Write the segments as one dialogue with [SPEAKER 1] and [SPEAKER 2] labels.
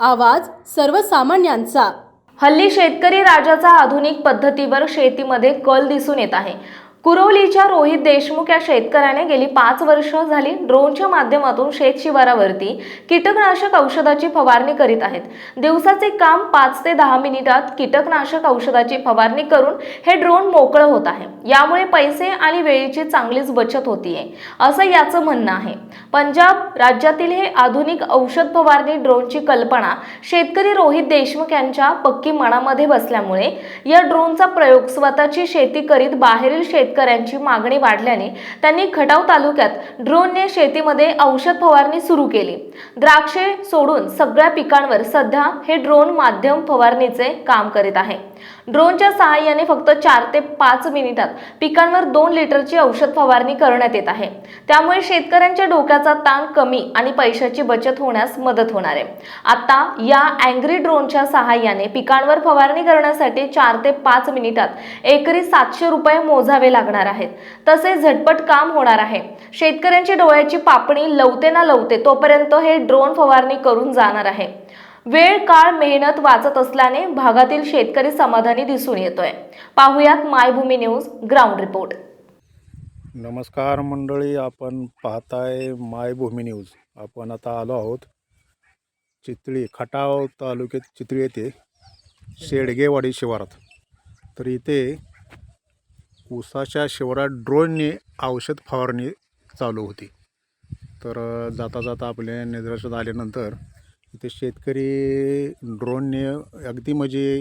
[SPEAKER 1] आवाज सर्वसामान्यांचा।
[SPEAKER 2] हल्ली शेतकरी राजाचा आधुनिक पद्धतीवर शेतीमध्ये कल दिसून येत आहे। कुरवलीच्या रोहित देशमुख या शेतकऱ्याने गेली 5 वर्ष झाली ड्रोनच्या माध्यमातून शेत शिवारावरती कीटकनाशक औषधाची फवारणी करीत आहेत। दिवसाचे काम 5 ते 10 मिनिटात कीटकनाशक औषधाची फवारणी करून हे ड्रोन मोकळं होत आहे। यामुळे पैसे आणि वेळेची चांगलीच बचत होतीये असं याचं म्हणणं आहे। पंजाब राज्यातील हे आधुनिक औषध फवारणी ड्रोनची कल्पना शेतकरी रोहित देशमुख यांच्या पक्की मनामध्ये बसल्यामुळे या ड्रोनचा प्रयोग स्वतःची शेती करीत बाहेरील शेतकऱ्यांची मागणी वाढल्याने त्यांनी खटाव तालुक्यात ड्रोनने शेतीमध्ये औषध फवारणी सुरू केली। द्राक्षे सोडून सगळ्या पिकांवर सध्या हे ड्रोन माध्यम फवारणीचे काम करीत आहे। ड्रोनच्या सहाय्याने फक्त 4 ते 5 मिनिटात पिकांवर 2 लिटरची औषध फवारणी करण्यात येत आहे। त्यामुळे शेतकऱ्यांच्या डोक्याचा ताण कमी आणि पैशाची बचत होण्यास मदत होणार आहे। आता या अँग्री ड्रोनच्या सहाय्याने पिकांवर फवारणी करण्यासाठी 4 ते 5 मिनिटात एकरी 700 रुपये मोजावे लागणार आहेत। तसेच झटपट काम होणार आहे। शेतकऱ्यांची डोळ्याची पापणी लवते ना लवते तोपर्यंत हे ड्रोन फवारणी करून जाणार आहे। वेळ काळ मेहनत वाचत असल्याने भागातील शेतकरी समाधानी दिसून येतोय। पाहुयात मायभूमी न्यूज ग्राउंड रिपोर्ट।
[SPEAKER 3] नमस्कार मंडळी, आपण पाहताय मायभूमी न्यूज। आपण आता आलो आहोत चितळी, खटाव तालुक्यात चितळी येथे शेडगेवाडी शिवारात। तर इथे ऊसाच्या शिवारात ड्रोनने औषध फवारणी चालू होती। तर जाता जाता आपल्या निदर्शनास आल्यानंतर इथे शेतकरी ड्रोनने अगदी म्हणजे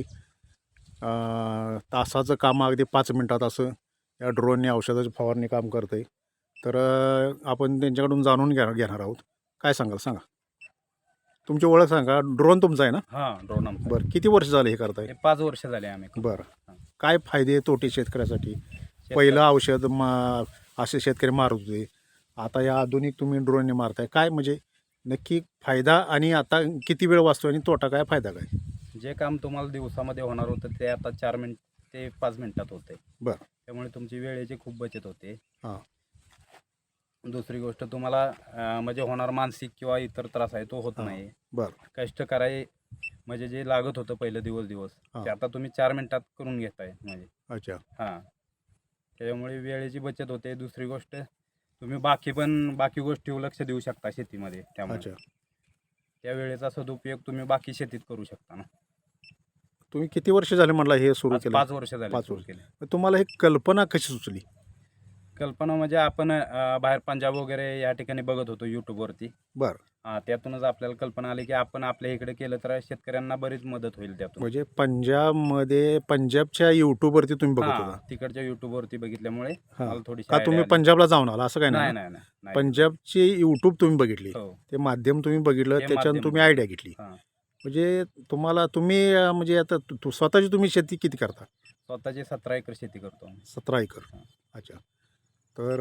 [SPEAKER 3] तासाचं काम अगदी 5 मिनिटात असं या ड्रोनने औषधाची फवारणी काम करते। तर आपण त्यांच्याकडून जाणून घेणार आहोत। काय सांगाल, सांगा तुमची ओळख सांगा। ड्रोन तुमचा आहे ना?
[SPEAKER 4] हां, ड्रोन आमचा.
[SPEAKER 3] बरं, किती वर्ष झाले हे करताय?
[SPEAKER 4] हे 5 वर्ष झाले आम्ही.
[SPEAKER 3] बरं, काय फायदे तोटे शेतकऱ्यासाठी? पहिलं औषध असे शेतकरी मारत होते, आता या आधुनिक तुम्ही ड्रोनने मारताय, काय म्हणजे नक्की फायदा आणि आता किती वेळ वाचतो आणि तोटा काय, फायदा काय?
[SPEAKER 4] जे काम तुम्हाला दिवसामध्ये होणार होतं ते आता 4 मिनिट ते 5 मिनिटात होते।
[SPEAKER 3] बरं,
[SPEAKER 4] त्यामुळे तुमची वेळेची खूप बचत होते।
[SPEAKER 3] हां,
[SPEAKER 4] दुसरी गोष्ट तुम्हाला म्हणजे होणार मानसिक किंवा इतर त्रास आहे तो होत नाही।
[SPEAKER 3] बरं,
[SPEAKER 4] कष्ट कराय म्हणजे जे लागत होतं पहिलं दिवस ते आता तुम्ही 4 मिनिटात करून घेताय म्हणजे।
[SPEAKER 3] अच्छा,
[SPEAKER 4] हां, त्यामुळे वेळेची बचत होते। दुसरी गोष्ट तुम्ही बाकी गोष्टीवर लक्ष देऊ शकता शेतीमध्ये। त्यामुळे
[SPEAKER 3] अच्छा,
[SPEAKER 4] त्या वेळेचा सदुपयोग तुम्ही बाकी शेतीत करू शकता ना।
[SPEAKER 3] तुम्ही किती वर्ष झाले म्हटलं हे सुरू केलं?
[SPEAKER 4] 5 वर्ष झाले
[SPEAKER 3] 5
[SPEAKER 4] सुरू
[SPEAKER 3] वर्ष
[SPEAKER 4] केले।
[SPEAKER 3] तुम्हाला हे कल्पना कशी सुचली?
[SPEAKER 4] कल्पना म्हणजे आपण बाहेर पंजाब वगैरे या ठिकाणी बघत होतो यूट्यूबवरती।
[SPEAKER 3] बरं,
[SPEAKER 4] त्यातूनच आपल्याला कल्पना आली की आपण आपल्या इकडे केलं तर शेतकऱ्यांना बरीच मदत होईल त्यातून।
[SPEAKER 3] म्हणजे पंजाबच्या यूट्यूबवरती तुम्ही बघत
[SPEAKER 4] हां,
[SPEAKER 3] होता?
[SPEAKER 4] तिकडच्या यूट्यूबवरती बघितल्यामुळे
[SPEAKER 3] हां,
[SPEAKER 4] मला थोडीशी
[SPEAKER 3] का तुम्ही
[SPEAKER 4] idea आली.
[SPEAKER 3] पंजाबला जाऊन आला असं काय
[SPEAKER 4] नाही
[SPEAKER 3] नाही?
[SPEAKER 4] नाही नाही
[SPEAKER 3] पंजाबची यूट्यूब तुम्ही बघितली,
[SPEAKER 4] हो.
[SPEAKER 3] ते माध्यम तुम्ही बघितलं,
[SPEAKER 4] ते
[SPEAKER 3] त्याच्यानं
[SPEAKER 4] माध्यम
[SPEAKER 3] तुम्ही आयडिया घेतली।
[SPEAKER 4] हां,
[SPEAKER 3] म्हणजे तुम्ही म्हणजे आता स्वतःची तुम्ही शेती किती करता?
[SPEAKER 4] स्वतःची 17 एकर शेती करतो आम्ही।
[SPEAKER 3] 17 एकर।
[SPEAKER 4] हां.
[SPEAKER 3] अच्छा, तर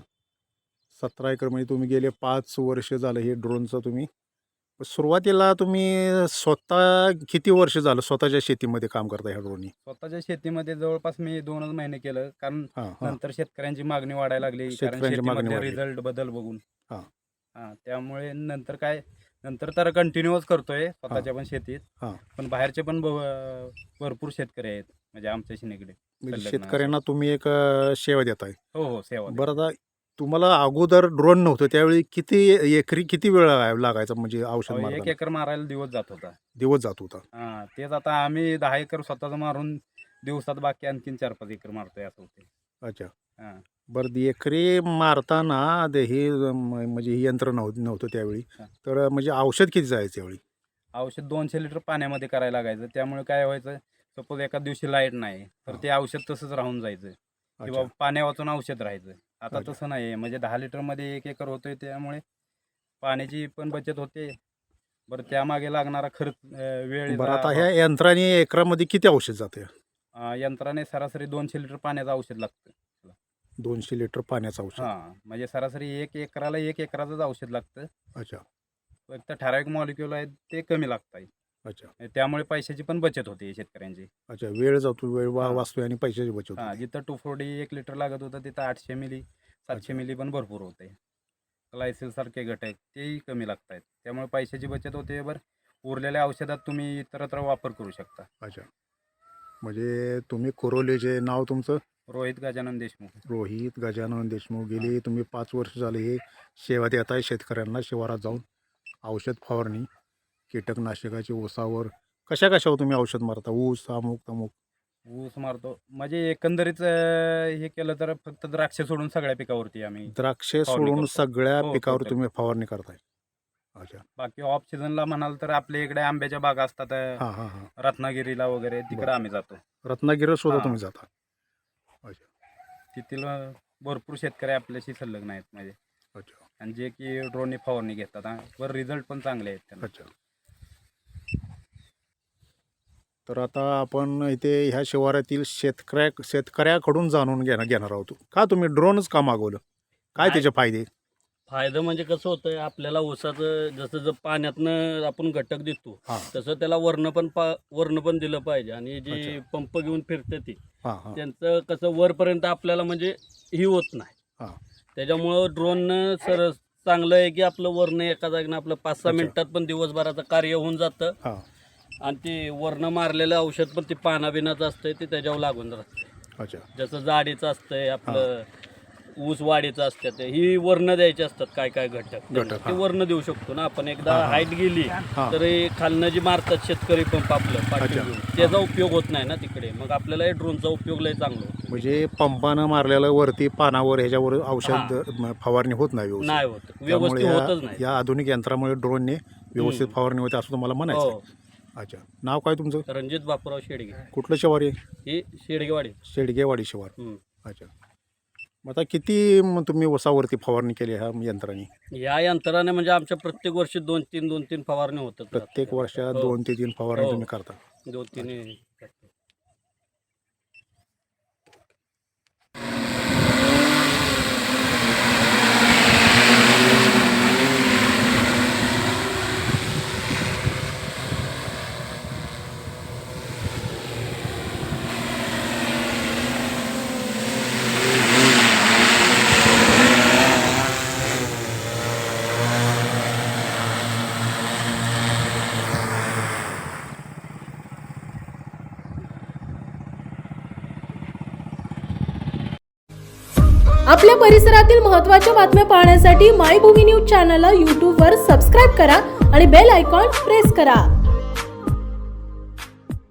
[SPEAKER 3] 17 एकर म्हणजे तुम्ही गेले 5 वर्ष झालं हे ड्रोनचं तुम्ही सुरुवातीला तुम्ही स्वतः किती वर्ष झालं स्वतःच्या शेतीमध्ये काम करता ह्या ड्रोननी?
[SPEAKER 4] स्वतःच्या शेतीमध्ये जवळपास मी 2च महिने केलं, कारण
[SPEAKER 3] हां, हां,
[SPEAKER 4] नंतर शेतकऱ्यांची मागणी वाढायला लागली, कारण
[SPEAKER 3] शेतकऱ्यांची मागणी
[SPEAKER 4] शेतीमध्ये
[SPEAKER 3] वाढली.
[SPEAKER 4] रिझल्ट बदल बघून।
[SPEAKER 3] हां.
[SPEAKER 4] त्यामुळे नंतर तर कंटिन्यूच करतोय स्वतःच्या पण शेतीत।
[SPEAKER 3] हां.
[SPEAKER 4] पण बाहेरचे पण भरपूर शेतकरी आहेत म्हणजे आमच्याशी निगडीत
[SPEAKER 3] म्हणजे
[SPEAKER 4] संलग्न
[SPEAKER 3] शेतकऱ्यांना तुम्ही एक सेवा देताय।
[SPEAKER 4] हो हो, सेवा देतो.
[SPEAKER 3] बरं, आता तुम्हाला अगोदर ड्रोन नव्हतं त्यावेळी एकरी किती वेळ लागायचा म्हणजे औषध
[SPEAKER 4] अहो, 1
[SPEAKER 3] मारताना?
[SPEAKER 4] एकर मारायला दिवस जात होता।
[SPEAKER 3] दिवस जात होता?
[SPEAKER 4] तेच आता आम्ही 10 एकर स्वतःच मारून दिवसात बाकी आणखीन 4-5 एकर मारतोय असं होते।
[SPEAKER 3] अच्छा,
[SPEAKER 4] हां,
[SPEAKER 3] बरं, एकरी मारताना हे म्हणजे हे यंत्र नव्हतं त्यावेळी,
[SPEAKER 4] हां.
[SPEAKER 3] तर म्हणजे औषध किती जायचं त्यावेळी?
[SPEAKER 4] औषध 200 लिटर पाण्यामध्ये करायला लागायचं। त्यामुळे काय व्हायचं, सपोज एका दिवशी लाईट नाही तर ते औषध तसंच राहून जायचं किंवा
[SPEAKER 3] अच्छा,
[SPEAKER 4] पाण्या वाचून औषध राहायचं। आता
[SPEAKER 3] अच्छा.
[SPEAKER 4] तसं नाही आहे, म्हणजे 10 लिटरमध्ये 1 एकर होतोय, त्यामुळे पाण्याची पण बचत होते। बरं, त्यामागे लागणारा खर्च वेळ
[SPEAKER 3] बरं, आता ह्या यंत्राने एकरामध्ये किती औषध जाते?
[SPEAKER 4] यंत्राने सरासरी 200 लिटर पाण्याचं औषध लागतं।
[SPEAKER 3] 200 लिटर पाण्याचं औषध?
[SPEAKER 4] म्हणजे सरासरी 1 एकराला 1 एकराचंच औषध लागतं।
[SPEAKER 3] अच्छा,
[SPEAKER 4] फक्त ठराविक मॉलिक्यूल आहेत ते कमी लागतात।
[SPEAKER 3] अच्छा,
[SPEAKER 4] त्यामुळे पैशाची पण बचत होते शेतकऱ्यांची।
[SPEAKER 3] अच्छा, वेळ जातो, वेळ
[SPEAKER 4] हां.
[SPEAKER 3] वाचतोय आणि पैशाची बचत होते.
[SPEAKER 4] जिथं 240 1 लिटर लागत होतं तिथं 800 मिली 700
[SPEAKER 3] अच्छा.
[SPEAKER 4] मिली पण भरपूर होते। ग्लायसिल सारखे घटक तेही कमी लागत आहेत, त्यामुळे पैशाची बचत होते। बरं, उरलेल्या औषधात तुम्ही इतरत्र वापर करू शकता.
[SPEAKER 3] अच्छा, म्हणजे तुम्ही कुरोलीचे नाव तुमचं
[SPEAKER 4] रोहित गजानन देशमुख.
[SPEAKER 3] रोहित गजानन देशमुख. गेली तुम्ही 5 वर्ष झाले हे सेवा देत आहे शेतकऱ्यांना, शिवारात जाऊन औषध फवारणी, कीटकनाशकाची ऊसावर कशावर तुम्ही औषध मारता? ऊस, अमुक तमुक?
[SPEAKER 4] ऊस मारतो, म्हणजे एकंदरीत हे केलं तर फक्त द्राक्ष सोडून सगळ्या पिकावरती आम्ही
[SPEAKER 3] द्राक्षे
[SPEAKER 4] फवारणी
[SPEAKER 3] सोडून
[SPEAKER 4] करतो.
[SPEAKER 3] सगळ्या
[SPEAKER 4] हो,
[SPEAKER 3] पिकावर
[SPEAKER 4] total.
[SPEAKER 3] तुम्ही फवारणी करताय? अच्छा.
[SPEAKER 4] बाकी ऑफ सीझनला म्हणाल तर आपल्या इकडे आंब्याच्या बागा असतात,
[SPEAKER 3] हां हां हां.
[SPEAKER 4] रत्नागिरीला वगैरे तिकडे
[SPEAKER 3] बरं.
[SPEAKER 4] आम्ही जातो.
[SPEAKER 3] रत्नागिरीला सुद्धा
[SPEAKER 4] हां.
[SPEAKER 3] तुम्ही जाता? अच्छा
[SPEAKER 4] तिथील भरपूर शेतकरी आपल्याशी संलग्न आहेत म्हणजे,
[SPEAKER 3] अच्छा
[SPEAKER 4] आणि जे की ड्रोनने फवारणी घेतात वर रिझल्ट पण चांगले आहेत त्यांना.
[SPEAKER 3] अच्छा. तर आता आपण इथे ह्या शिवारातील शेतकऱ्याकडून जाणून घेणार आहोत. का तुम्ही ड्रोनच का मागवलं? काय त्याचे फायदे?
[SPEAKER 5] फायदा म्हणजे कसं होतंय, आपल्याला ऊसाचं जसं पाण्यातनं आपण घटक देतो
[SPEAKER 3] हां
[SPEAKER 5] तसं त्याला वर्ण पण दिलं पाहिजे. आणि जे
[SPEAKER 3] अच्छा.
[SPEAKER 5] पंप घेऊन फिरते ती
[SPEAKER 3] हां हां
[SPEAKER 5] त्यांचं कसं वरपर्यंत आपल्याला म्हणजे ही होत नाही.
[SPEAKER 3] हां.
[SPEAKER 5] त्याच्यामुळं ड्रोननं चांगलं आहे की आपलं वर्ण एका जागेनं आपलं 5-6
[SPEAKER 3] अच्छा.
[SPEAKER 5] मिनिटात पण दिवसभराचं कार्य होऊन जातं.
[SPEAKER 3] हां.
[SPEAKER 5] आणि ते वर्ण मारलेलं औषध पण ते पानाबिनाचं असतंय ते त्याच्यावर लागून राहतंय.
[SPEAKER 3] अच्छा
[SPEAKER 5] जसं जाडीचं असतंय आपलं ऊस वाढीचं असतात, ही वर्ण द्यायची असतात काय घटक
[SPEAKER 3] घटक,
[SPEAKER 5] ते
[SPEAKER 3] हां.
[SPEAKER 5] वर्ण देऊ शकतो ना आपण. एकदा
[SPEAKER 3] हां, हां.
[SPEAKER 5] हाईट गेली
[SPEAKER 3] हां.
[SPEAKER 5] तर हे खालनं जी मारतात शेतकरी पंप आपलं पाठी
[SPEAKER 3] अच्छा.
[SPEAKER 5] घेऊन, त्याचा उपयोग होत नाही ना तिकडे. मग आपल्याला हे ड्रोनचा उपयोग लय चांगला होतो.
[SPEAKER 3] म्हणजे पंपानं मारलेलं वरती पानावर ह्याच्यावर औषध फवारणी होत नाही व्यवस्थित.
[SPEAKER 5] नाही होत,
[SPEAKER 3] त्यामुळे
[SPEAKER 5] व्यवस्थित होतच नाही.
[SPEAKER 3] या आधुनिक यंत्रामुळे ड्रोनने व्यवस्थित फवारणी होते असं तुम्हाला म्हणायचं
[SPEAKER 5] हो.
[SPEAKER 3] आहे. अच्छा, नाव काय तुमचं?
[SPEAKER 5] रणजित बापूराव शेडगे,
[SPEAKER 3] कुठलं शिवार आहे?
[SPEAKER 5] ही शेडगेवाडी.
[SPEAKER 3] शेडगेवाडी शिवार.
[SPEAKER 5] हम्म.
[SPEAKER 3] अच्छा. मग आता किती तुम्ही ऊसावरती फवारणी केली ह्या यंत्राने?
[SPEAKER 5] या यंत्राने म्हणजे आमच्या प्रत्येक वर्षी 2-3 फवारणी होतात.
[SPEAKER 3] प्रत्येक वर्षात
[SPEAKER 5] हो.
[SPEAKER 3] 2 ते 3 फवारणी
[SPEAKER 5] हो.
[SPEAKER 3] तुम्ही करता?
[SPEAKER 5] 2-3.
[SPEAKER 1] आपल्या परिसरातील महत्त्वाच्या बातम्या पाहण्यासाठी मायभूमी न्यूज चॅनलला यूट्यूबवर सबस्क्राईब करा आणि बेल आयकॉन प्रेस करा.